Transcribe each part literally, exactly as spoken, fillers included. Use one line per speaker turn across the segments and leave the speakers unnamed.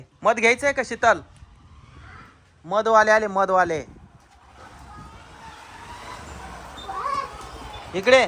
मध घ्यायचंय का शीतल? मधवाले आले मधवाले. इकडे.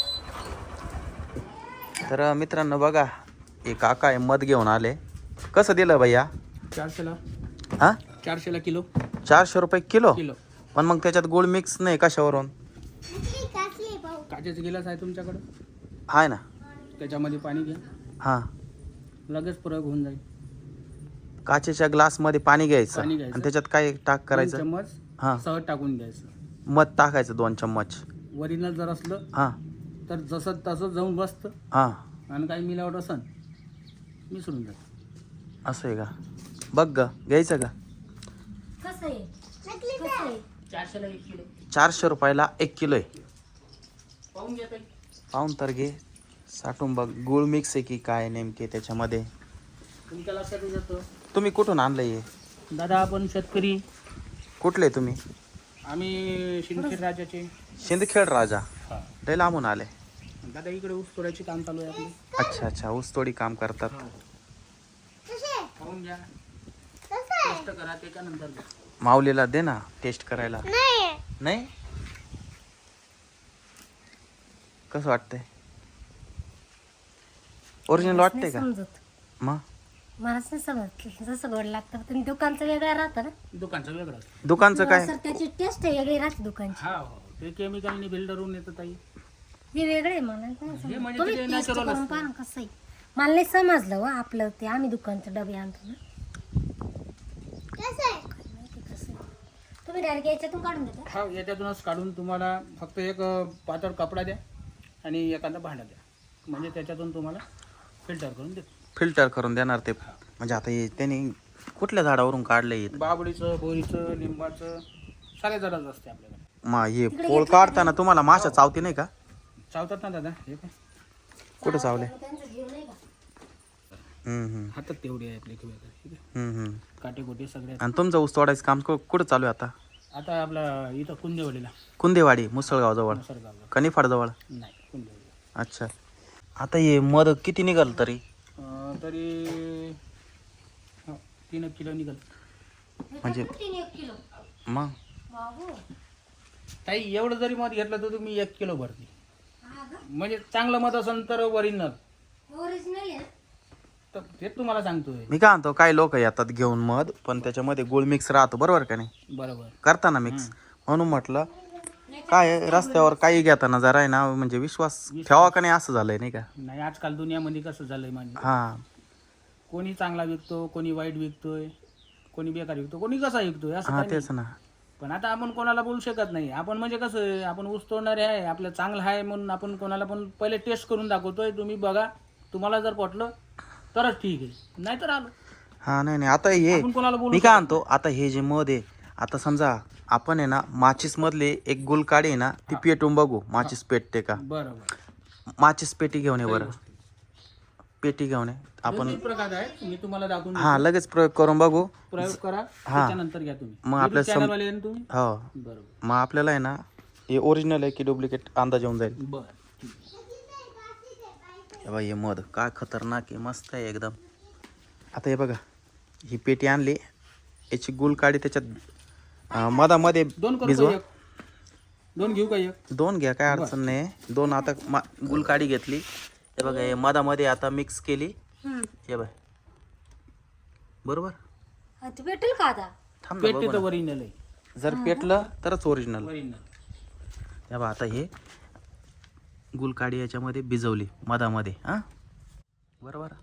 तर मित्रांनो बघा, एक काका आहे मध घेऊन आले. कसं दिलं भैया?
चारशेला.
हा
चारशेला किलो.
चारशे रुपये किलो.
किलो.
पण मग त्याच्यात गोळ मिक्स नाही कशावरून?
काचेचा गिलास आहे तुमच्याकडे?
आहे ना.
त्याच्यामध्ये पाणी घ्या.
हा
लगेच प्रयोग होऊन जाईल.
काचेच्या ग्लास मध्ये पाणी घ्यायचं
पाणी घ्यायचं.
आणि त्याच्यात काय टाक करायचं?
दोन चम्मच
हा
सहज टाकून घ्यायचं.
मध टाकायचं दोन चम्मच.
ओरिजिनल जर असलं
हा
तर जसं तसं जाऊन बसतं
हा
आणि काही मिलावट असन मिसळून जातं.
असं आहे का? बघ ग, घ्यायचं का?
कसं आहे? कसं आहे?
चारशेला एक किलो.
चारशे रुपयाला एक किलो आहे.
पाहून घ्या ताई.
पाहून तर घे, साठून बघ गुळ मिक्स आहे की काय नेमके त्याच्यामध्ये.
तुमच्या लक्षात येतं.
तुम्ही कुठून आणलं हे?
दादा आपण शेतकरी.
कुठले तुम्ही?
आम्ही शिंदखेड राजाचे.
शिंदखेड राजा.
हा.
लय लांबून आले.
दादा इकडे ऊस तोडायचे काम चालू आहे आपले.
अच्छा अच्छा, ऊसतोडी काम करतात.
पाहून घ्या. टेस्ट करा त्याच्यानंतर घ्या.
माऊलीला दे ना टेस्ट करायला. नाही कसं वाटतंय? ओरिजिनल वाटतंय का?
समजत
मग
मला नाही समजत. जसं गोड लागतं पण दुकानचं वेगळं राहतं ना.
दुकानचं वेगळं असतं.
दुकानचं काय?
सर त्याची टेस्ट वेगळी राहते दुकानची.
हा हो ते केमिकलनी बिल्डरहून येतं ताई.
हे वेगळे आहे, मला नाही
हे
समजत.
म्हणजे
तुम्ही
ते
टेस्ट
natural
करून
असतं.
पहा ना कसं आहे. मला नाही समजलं व आपलं ते आम्ही दुकानचं डबे आणतो ना. काय माहिती कसं आहे. तुम्ही डायरेक्ट याच्यातून काढून देता?
हा याच्यातूनच काढून तुम्हाला फक्त एक अ, पातळ कपडा द्या आणि एखादा भांडा द्या म्हणजे त्याच्यातून तुम्हाला फिल्टर करून देतो.
फिल्टर करून देणार ते. म्हणजे आता हे त्यांनी कुठल्या झाडावरून काढले?
बाबळीचं, बोरीचं, लिंबाचं सारे झाडच असते आपल्याकडे.
मग हे पोळ काढताना तुम्हाला माशा चावती नाही का?
चावतात ना दादा हे काय
कुठं चावले?
त्यांचा जीव नाही का?
हम्म हम्म
हातात तेवढी आहे आपली किंवा ठीक आहे.
हम्म हम्म.
काटे कोटे सगळे.
आणि तुमचं ऊस तोडायचं काम कु- कुठं चालू आहे आता?
आता आपला इथं कुंदेवाडीला.
कुंदेवाडी मुसळगाव जवळ,
सरगावला.
कनिफाड जवळ.
नाही कुंदेवाडीला.
अच्छा. आता हे मध किती निघाल तरी?
अं, तरी हो, तीन एक किलो निघाल.
म्हणजे
तीन एक किलो.
मग
बाबू.
ताई एवढं जरी मध घेतलं तर तुम्ही एक किलो भरते.
हा का?
म्हणजे चांगलं मध असेल तर ओरिजिनल.
ओरिजिनल आहे ना?
तर ते तुम्हाला सांगतोय.
मी काय म्हणतो, काही लोक येतात घेऊन मध पण त्याच्यामध्ये गुळ मिक्स राहतो, बरोबर का नाही?
बरोबर.
करताना मिक्स. म्हणून म्हटलं काय आहे, रस्त्यावर काही घेताना जरा आहे ना म्हणजे विश्वास ठेवा का नाही असं झालंय नाही का?
नाही आजकाल दुनियामध्ये कसं झालंय म्हणजे
हा
कोणी चांगला विकतो, कोणी वाईट विकतोय, कोणी बेकार विकतो, कोणी कसा विकतोय असं
हा
काही
तेच
नाही.
ना.
पण आता आपण कोणाला बोलू शकत नाही. आपण म्हणजे कसं आहे, आपण ऊस तोडणारे आहे, आपलं चांगलं आहे म्हणून आपण कोणाला पण पहिले टेस्ट करून दाखवतोय. तुम्ही बघा, तुम्हाला जर पटलं तरच ठीक आहे, नाहीतर आलो.
हा नाही नाही आता हे
आपण कोणाला बोलू
मी काय म्हणतो, आता हे जे मध आहे, आता समजा आपण आहे ना माचीस मधले एक गुलकाडी आहे ना ती पेटून बघू, माचीस पेटते का?
बरोबर.
माचीस पेटी घेऊन ये बरं. पेटी घेऊन ये आपण.
दोन्ही प्रकार आहेत, मी तुम्हाला दाखवून
हा
देतो.
लगेच प्रयोग करून बघू.
प्रयोग करा
हा.
त्याच्यानंतर घ्या तुम्ही.
मग आपल्या सम-
चॅनल वाले आहे ना तुम्ही?
हो
बरोबर.
मग आपल्याला आहे ना हे ओरिजिनल आहे की डुप्लिकेट अंदाज येऊन जाईल.
बरं.
हे बघा हे मध काय खतरनाक आहे, मस्त आहे एकदम. आता हे बघा ही पेटी आणली, याची गुल काढी त्याच्यात अं, मधामध्ये
दोन करू
भिजवा.
का एक? दोन घेऊ का एक?
दोन घ्या काय अडचण नाही. दोन आता मा गुल काढी घेतली, हे बघा हे मधामध्ये आता मिक्स केली.
हम्म.
हे बघ बरोबर.
हा, ते भेटेल का आता?
थांब ना
पेटी
बघू
तर
ना.
ओरिजिनल आहे.
जर पेटलं तरच ओरिजिनल.
ओरिजिनल.
हे बघा आता हे गुलकाडी याच्यामध्ये भिजवली मधामध्ये. हा बरोबर.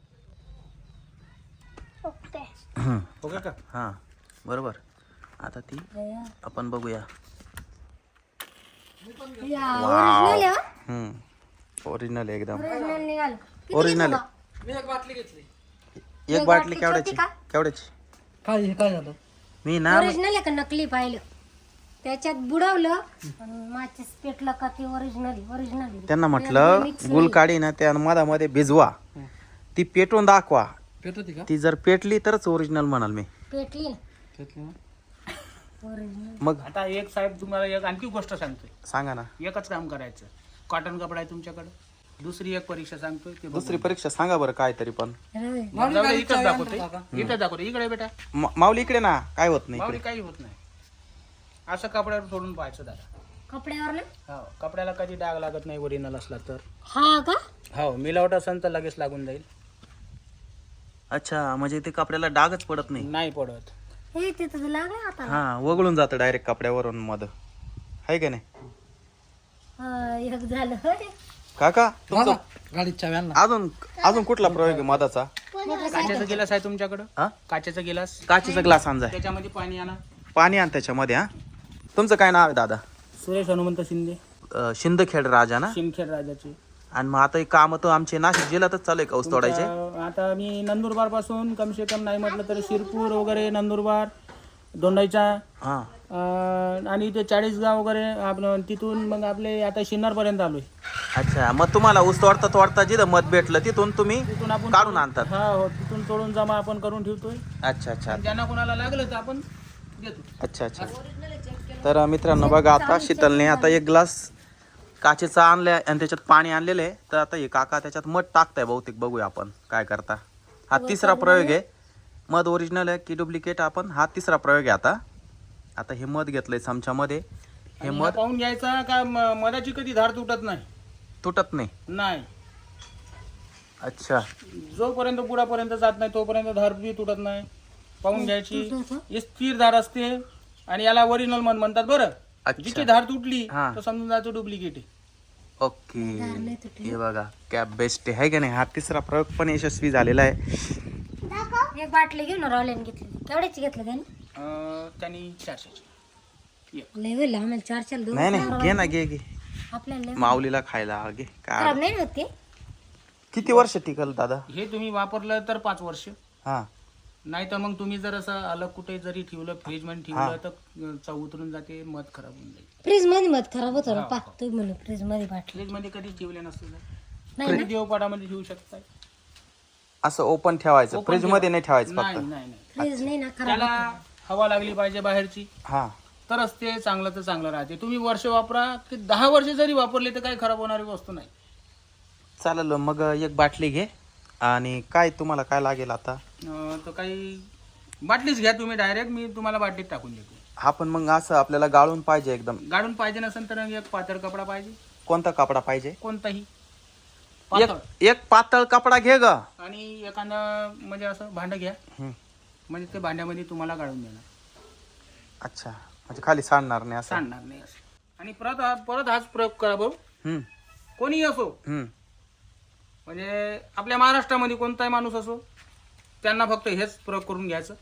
ओके.
हम्म.
ओके का?
हा बरोबर. आता ती आपण बघूया.
या, ओरिजिनल आहे हा?
हम्म ओरिजिनल आहे एकदम.
ओरिजिनल निघालं. किती
ओरिजिनल
घेतलं
आहे.
मी एक बाटली घेतली.
एक
एक
बाटली
बाटली
केवढ्याची?
छोटी का?
केवढ्याची?
काय काय झालं?
मी
बा?
ना
ओरिजिनल आहे का नकली पाहिलं? त्याच्यात बुडवलं आणि माचीस पेटलं का ते ओरिजिनल आहे. ओरिजिनल आहे.
त्यांना म्हटलं गुलकाडी ना त्या मधामध्ये भिजवा, ती पेटून दाखवा.
पेटती का?
ती जर पेटली तरच ओरिजिनल म्हणाल मी.
पेटली ना
पेटली ना?
ओरिजिनल.
मग
आता एक साहेब तुम्हाला एक आणखी गोष्ट सांगतोय.
सांगा ना.
एकच काम करायचं. कॉटन कपडा आहे तुमच्याकडे? दुसरी एक परीक्षा सांगतोय ते बघ.
दुसरी परीक्षा सांगा बरं काय तरी पण.
रवी,
जाऊ दे, इथंच दाखवतोय इथं दाखवतोय इकडे बेटा
मा- माऊली इकडे ना, काय होत नाही
माऊली
इकडे.
काही होत नाही. असं कपड्यावर सोडून पाहायचं दादा.
कपड्यावर ना
हो कपड्याला कधी डाग लागत नाही ओरिजिनल असला तर.
हा का
हो मिलावट असेल तर लगेच लागून जाईल.
अच्छा, म्हणजे ते कपड्याला डागच पडत नाही.
नाही पडत.
हे तिथं लागलं आता
हा, वगळून जातं डायरेक्ट कपड्यावरून मध, आहे का नाही
हा, एक झालं होय.
काका? तुमचं
गाडीत चाव्या
अजून अजून कुठला प्रयोग आहे मधाचा?
काचेचा गिलास आहे तुमच्याकडं?
हा,
काचेचा गिलास
काचेचा ग्लास आणजा,
त्याच्यामध्ये पाणी आणा.
पाणी आण त्याच्यामध्ये. हा, तुमचं काय नाव आहे दादा?
सुरेश हनुमंत शिंदे,
अं, शिंदखेड राजा ना.
शिमखेड राजाची.
आणि मग आता एक काम तर आमचे नाशिक जिल्ह्यातच चालू आहे का ऊस तोडायचे?
तुमच्या- आता मी नंदुरबार पासून कम से कम नाही म्हटलं तरी शिरपूर वगैरे नंदुरबार दोंडाईचा
हा,
अं, आणि ते चाळीसगाव वगैरे आपलं तिथून मग आपले आता शिन्नर पर्यंत आलोय.
अच्छा, मग तुम्हाला ऊस तोडता तोडता जिथं मध भेटलं तिथून तुम्ही
तिथून आपण
काढून आणतात?
हा हो तिथून तोडून जमा आपण करून ठेवतोय.
अच्छा अच्छा
आणि ज्यांना कोणाला लागलं तर आपण देतो.
अच्छा अच्छा. तर मित्रांनो बघा, आता शीतलने आता एक ग्लास काचेचा आणलाय आणि त्याच्यात पाणी आणलेलं आहे. तर आता हे काका त्याच्यात मध टाकताय बहुतेक, बघूया आपण काय करता. हा तिसरा प्रयोग आहे. मध ओरिजिनल आहे की डुप्लिकेट, आपण हा तिसरा प्रयोग आहे. आता आता हे मध घेतलंय चमच्यामध्ये. हे
आणि हा
मध
पाहून घ्यायचा का म- मधाची कधी धार तुटत नाही.
तुटत नाही.
नाही
अच्छा,
जोपर्यंत बुडापर्यंत जात नाही तोपर्यंत धार बी तुटत नाही. पाहून घ्यायची.
तुटतं?
ही स्थिर धार असते आणि याला ओरिजिनल मध म्हणतात. बरं
अच्छा.
जिची धार तुटली
हा.
तर समजून जायचं डुप्लिकेट आहे.
ओके.
नाही तुटली.
हे बघा क्या बेस्ट आहे का नाही. हा तिसरा प्रयोग पण यशस्वी झालेला आहे.
एक बाटली घेऊन रावल्याने घेतली. केवढ्याची घेतली त्याने?
अं, त्यांनी चारशेची.
लय होईल आम्हाला चार चार दोन
नाही नाही, घे ना, घे घे,
आपल्याला लय
माऊलीला खायला घे. काय
खराब नाही होत ते.
किती वर्ष टिकल दादा?
हे तुम्ही वापरलं तर पाच वर्ष.
हा,
नाही तर मग तुम्ही जर असं अलग कुठे जरी ठेवलं फ्रीज मध्ये
हा.
ठेवलं तर चव उतरून जाते, मध खराब होऊन जाईल.
फ्रीज मध्ये मध खराब होतो ना.
हा,
पा
हा.
तुम्ही म्हणून फ्रीज मध्ये बाटली
फ्रीज मध्ये कधी ठेवले नसते
नाही ना?
देवपाडामध्ये ठेवू शकताय.
असं ओपन ठेवायचं,
Open
फ्रीज मध्ये नाही ठेवायचं
नाही
फक्त.
नाही नाही
फ्रीज नाही ना खराब
त्याला
होतं.
हवा लागली पाहिजे बाहेरची,
हा,
तरच ते चांगलं तर चांगलं राहते. तुम्ही वर्ष वापरा की दहा वर्ष जरी वापरले तर काही खराब होणारी वस्तू नाही.
चालेल. मग एक बाटली घे. आणि काय तुम्हाला काय लागेल आता?
अं, तर काही बाटलीच घ्या तुम्ही डायरेक्ट, मी तुम्हाला बाटलीत टाकून देतो.
हा, पण मग असं आपल्याला गाळून पाहिजे एकदम.
गाडून पाहिजे नसेल तर एक पातळ कपडा पाहिजे,
कोणता कपडा पाहिजे?
कोणताही
एक
पातळ.
एक पातळ कपडा घे ग.
आणि एखादं म्हणजे असं भांडं घ्या,
हम्म.
म्हणजे ते भांड्यामध्ये तुम्हाला गाळून देणार,
अच्छा, म्हणजे खाली सांडणार नाही असं.
सांडणार नाही असं. आणि परत हा- परत हाच प्रयोग करा भाऊ.
हम्म,
कोणीही असो,
हम्म.
म्हणजे आपल्या महाराष्ट्रामध्ये कोणताही माणूस असो, त्यांना फक्त हेच प्रयोग करून घ्यायचं.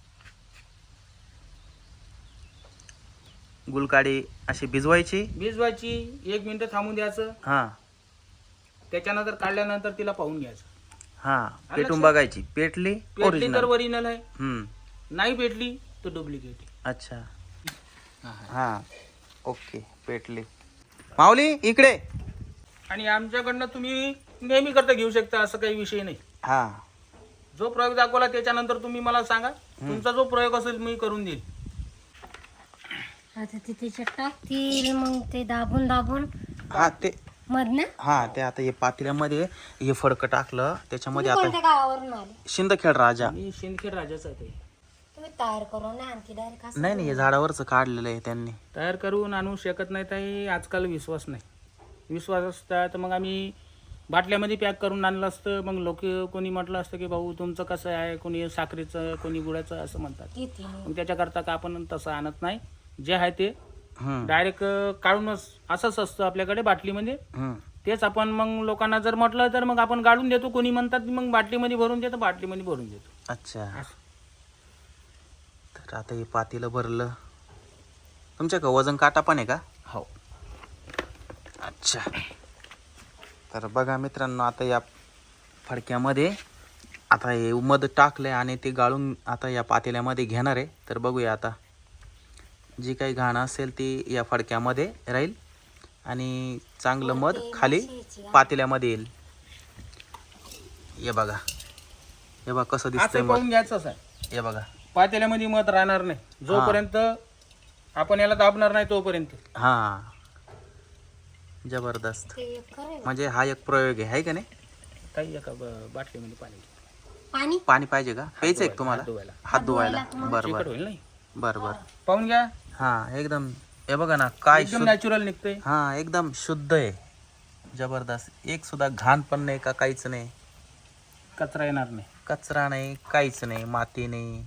गुलकाडी अशी भिजवायची.
भिजवायची, एक मिनिट थांबून द्यायचं,
हा
त्याच्यानंतर काढल्यानंतर तिला पाहून घ्यायचं.
हा, पेटून
लक्षात?
बघायची. पेटली
पेटली तर
ओरिजिनल.
ओरिजिनल आहे,
हम्म,
नाही पेटली तर डुप्लिकेट आहे.
अच्छा.
हा, हा.
हा, ओके, पेटली. माऊली इकडे.
आणि आमच्याकडनं तुम्ही नेहमी करता घेऊ शकता, असं काही विषय नाही.
हा,
जो प्रयोग दाखवला त्याच्यानंतर तुम्ही मला सांगा, तुमचा जो प्रयोग असेल मी करून देईल.
आता ते त्याच्यात टाकतील मग ते दाबून दाबून
हा ते
मध ना.
हा ते आता हे पातेल्यामध्ये हे फडकं टाकलं त्याच्यामध्ये.
तुम्ही
आता
कोणत्या गावावरून आले?
शिंदखेड राजा.
मी शिंदखेड राजाच आहे ते.
तुम्ही तयार करून ना आणखी डायरेक्ट असं.
नाही नाही, हे झाडावरच काढलेलं आहे त्यांनी.
तयार करून आणू शकत नाही ताई, आजकाल विश्वास नाही. विश्वास असता तर मग आम्ही बाटल्यामध्ये पॅक करून आणलं असतं. मग लोक कोणी म्हटलं असतं की भाऊ तुमचं कसं आहे, कोणी साखरेचं कोणी गुळाचं असं म्हणतात.
किती नाही.
मग त्याच्याकरता का आपण तसं आणत नाही, जे आहे ते
हम्म,
डायरेक्ट काढूनच असंच असतं आपल्याकडे बाटलीमध्ये.
हम्म.
तेच आपण मग लोकांना जर म्हटलं तर मग आपण गाडून देतो. कोणी म्हणतात मग बाटलीमध्ये भरून देतो, बाटलीमध्ये भरून देतो.
अच्छा. तर आता हे पातेलं भरलं. तुमच्या का वजन काटा पण आहे का?
हो.
अच्छा. तर बघा मित्रांनो, आता या फडक्यामध्ये आता हे मध टाकलंय आणि ते गाळून आता या पातेल्यामध्ये घेणार आहे. तर बघूया आता जी काही घाण असेल ती या फडक्यामध्ये राहील आणि चांगलं मध खाली पातेल्यामध्ये येईल. हे बघा, हे बघा कसं दिसतंय
असं
मध.
पाहून घ्यायचंच आहे.
हे बघा.
पातेल्यामध्ये मध राहणार नाही जोपर्यंत आपण याला दाबणार नाही तोपर्यंत.
हा, जबरदस्त.
ते एक करायला.
म्हणजे हा एक प्रयोग आहे हाय का नाही?
काही एका ब- बाटलीमध्ये पाणी घे.
पाणी
पाणी पाहिजे का? प्यायचं आहे का तुम्हाला?
हात धुवायला
हात धुवायला. बर
चिकट
बर
होईल नाही
बर बर.
पाहून घ्या
हा एकदम हे बघा ना काय
एकदम
शुद्ध.
नॅचरल निघतंय.
हा एकदम शुद्ध आहे. जबरदस्त. एक सुद्धा घाण पण नाही का काहीच नाही.
कचरा येणार नाही.
कचरा नाही काहीच नाही माती नाही.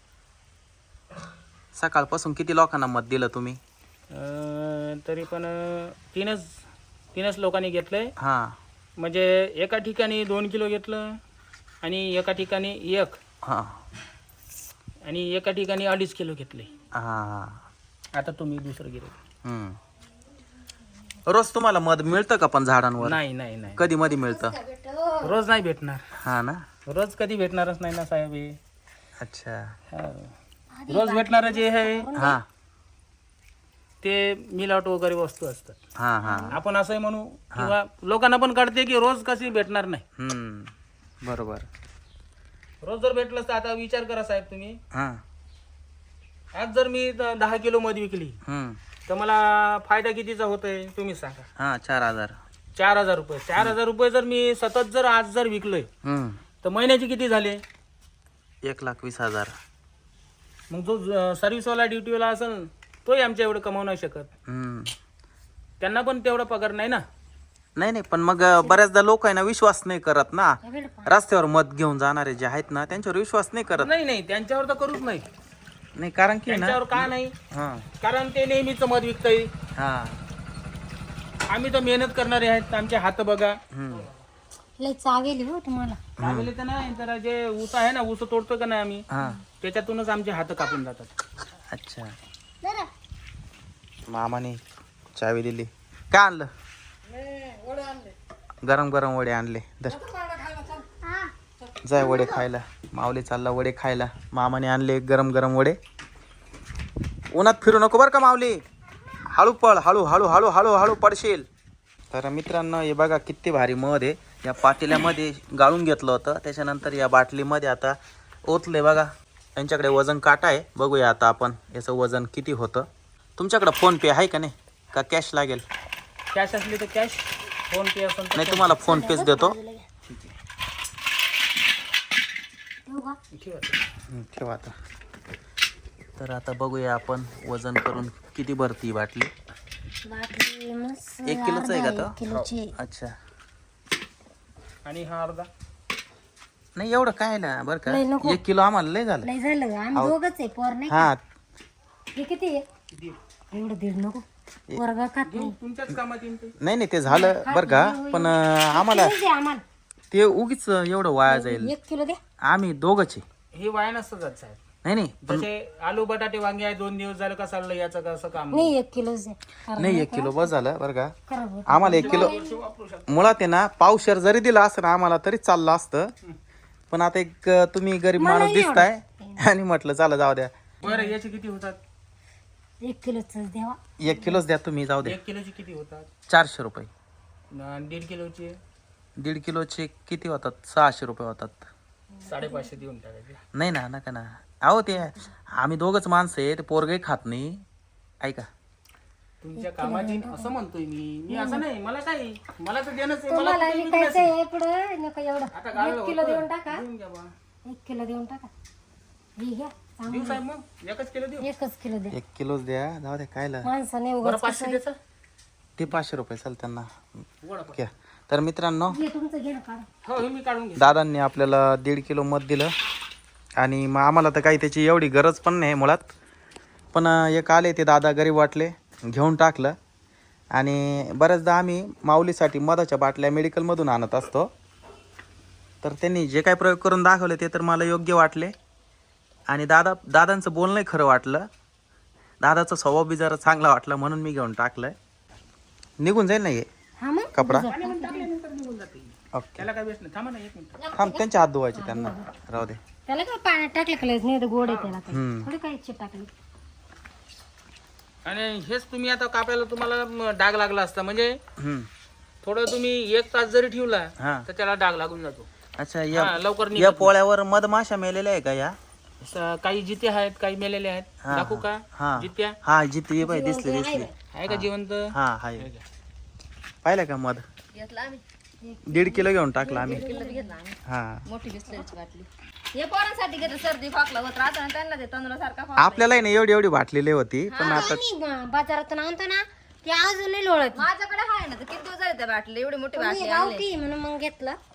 सकाळपासून किती लोकांना मत दिलं तुम्ही?
अं, तरी पण अं, तीनच तीनच लोकांनी घेतलंय.
हा
म्हणजे एका ठिकाणी दोन किलो घेतलं आणि एका ठिकाणी एक
हा
आणि एका ठिकाणी अडीच किलो घेतले.
हा हा.
आता तुम्ही दुसरं गिरे.
हम्म. रोज तुम्हाला मध मिळतं का पण झाडांवर?
नाही नाही नाही
कधी मध्ये मिळतं?
रोज नाही भेटणार.
हा ना.
रोज कधी भेटणारच नाही ना साहेब हे.
अच्छा.
हा. रोज भेटणारं जे आहे
हा
ते मिलावट वगैरे वस्तू असतात.
हा हा.
आपण असंही म्हणू किंवा लोकांना पण कळते की रोज कशी भेटणार नाही.
हम्म बरोबर.
रोज जर भेटलं तर आता विचार करा साहेब तुम्ही.
हा
आज जर मी द- दहा किलो मध विकली
हम्म
तर मला फायदा कितीचा होतोय तुम्ही सांगा.
हा चार हजार.
चार हजार रुपये चार हजार रुपये जर मी सतत जर आज जर विकलोय
हम्म
तर महिन्याचे किती झाले?
एक लाख वीस हजार.
मग जो सर्व्हिसवाला ड्युटीवाला असेल तोही आमच्या एवढं कमावू नाही शकत.
हम्म.
त्यांना पण तेवढा पगार नाही ना.
नाही नाही पण मग बऱ्याचदा लोक आहे ना विश्वास नाही करत ना.
हे बेड पाणी.
रस्त्यावर मत घेऊन जाणारे जे आहेत ना त्यांच्यावर विश्वास नाही करत.
नाही नाही त्यांच्यावर तर करूच नाही.
नाही कारण की ना.
त्यांच्यावर का नाही?
हा
कारण ते नेहमीच मध विकतंय.
हा
आम्ही तर मेहनत करणारे आहेत. आमचे हात बघा.
हम्म
लय चावेली हो तुम्हाला.
चांगले तर नाही तर जे ऊस आहे ना ऊस तोडतो का नाही आम्ही
हा.
त्याच्यातूनच आमचे हात कापून जातात.
अच्छा. मामाने चावी दिली. काय आणलं? गरम गरम वडे आणले. धर. जाय वडे खायला. माऊली चालला वडे खायला. मामाने आणले गरम गरम वडे. उन्हात फिरू नको बरं का माऊली. हळू पळ हळू हळू हळू हळू हळू पडशील. तर मित्रांनो हे बघा किती भारी मध आहे. या पातेल्यामध्ये गाळून घेतलं होतं. त्याच्यानंतर या बाटलीमध्ये आता ओतले बघा. यांच्याकडे वजन काटा आहे. बघूया आता आपण याचं वजन किती होतं. तुमच्याकडे फोन पे आहे का नाही का कॅश लागेल?
कॅश असली तर कॅश फोन पे असेल तर
नाही तुम्हाला फोन पेच देतो.
ठेवू का?
ठेवा.
हं, ठेवा आता. तर आता बघूया आपण वजन करून किती भरती ही बाटली.
बाटली मस्त
एक किलोचं आहे का
अर्धा
तो?
एक किलोची.
अच्छा.
आणि हा अर्धा
नाही एवढं काय ना बरं का.
लय नको.
एक किलो आम्हाला लय झालं.
लय झालं गं. आम्ही दोघच आहे पोर नाही का?
हा
हे किती आहे?
किती?
एवढं दीड नको. पोरगा खात नाही.
तुमच्याच कामात येईल ते.
नाही नाही ते झालं बरं का. पण अं, आम्हाला
किती दे आम्हाला?
ते उगीच एवढं वाया जाईल.
एक किलो दे.
आम्ही दोघंच आहे.
हे वाया नसतं जात साहेब.
नाही नाही पण
जसे आलू बटाटे वांगे आहे दोन दिवस झालं का चाललं याचं कसं काम
नाही एक किलो दे. अरे
नाही एक किलो बस झालं बरं का.
खरं बोल.
आम्हाला एक किलो
वापरू शकतो.
मुळात आहे ना पावशेर जरी दिला असतं ना आम्हाला तरी चाललं असतं. पण आता एक अं, तुम्ही गरीब माणूस दिसताय आणि म्हटलं चला जाऊ द्या.
बरं याचे किती होतात?
एक किलोच द्यावा.
एक किलोच द्या तुम्ही जाऊ द्या.
एक किलोचे किती होतात?
चारशे रुपये.
आणि दीड किलोचे
दीड किलोचे किती होतात? सहाशे रुपये होतात.
साडेपाचशे देऊन टाकायचे.
नाही ना नका ना. अहो ते आम्ही दोघंच माणसं आहे. ते पोरगही खात नाही. ऐका
तुमच्या कामाची असं म्हणतोय मी मी असं नाही मला काय मला तर देणंच आहे. मला
तुम्हाला
कुठे
विकायचं आहे पुढं नको एवढं.
आता गाळलं
एक किलो
होतं.
देऊन टाका.
देऊन घ्या बा.
एक किलो देऊन टाका. हे घ्या. चांगलं.
देऊ साहेब मग एकच किलो देऊ.
एकच किलो दे.
एक किलोच द्या जाऊ द्या कायला.
माणसाने
बरं
उगाच
पाचशे द्यायचं
ते पाचशे रुपये चाल त्यांना
वडापाव.
घ्या. तर मित्रांनो
घे तुमचं घे ना काढ.
हो हे मी काढून घे.
दादांनी आपल्याला दीड किलो मध दिलं आणि मग आम्हाला तर काही त्याची एवढी गरज पण नाही मुळात. पण अं, एक आले ते दादा गरीब वाटले घेऊन टाकलं. आणि बऱ्याचदा आम्ही माऊलीसाठी मधाच्या बाटल्या मेडिकलमधून आणत असतो. तर त्यांनी जे काही प्रयोग करून दाखवले ते तर मला योग्य वाटले. आणि दादा दादांचं बोलणंही खरं वाटलं. दादाचा स्वभाव बी जरा चांगला वाटला म्हणून मी घेऊन टाकलं. निघून जाईल ना हे
हा मग
कपडा.
पाण्यामध्ये टाकल्यानंतर निघून जाते.
ओके
त्याला काय वेस्ट नाही. थांबा ना एक मिनिट.
थांब त्यांचे हात धुवायचे त्यांना राहू दे.
त्याला काय पाण्यात टाकलं का लगेच? नाही तर गोड आहे त्याला काही.
हम्म.
थोडी काही चिट टाकली.
आणि हेच तुम्ही आता कापायला तुम्हाला म, डाग लागला असता म्हणजे
हम्म.
थोडं तुम्ही एक तास जरी ठेवला
हा
तर त्याला डाग लागून जातो.
अच्छा
हा,
या
लवकर
या
निघत
पोळ्यावर मधमाशा मेलेल्या आहे का या?
नाही. स- काही जिते आहेत काही मेलेले आहेत.
हा,
दाखवू का
हा
जित्या
हा जिथे बाई दिसली दिसली.
आहे का जिवंत?
हा हाय. पाहिलं का मध
घेतला आम्ही
दीड किलो घेऊन टाकला आम्ही
किलो घेतला आम्ही
हा
मोठी बिस्लरीची बाटली हे पोरांसाठी घेतलं सर्दी खोकला होत राहतं ना त्यांना ते तांदूळासारखा खोकला
आपल्याला नाही एवढी एवढी बाटलेली होती पण आता
आम्ही ब- बाजारातून आणतो ना ते अजूनही लोळत
माझ्याकडे आहे ना तर किती दिवस झाले त्या बाटली एवढी मोठी बाटली आणली
गावठी म्हणून मग घेतलं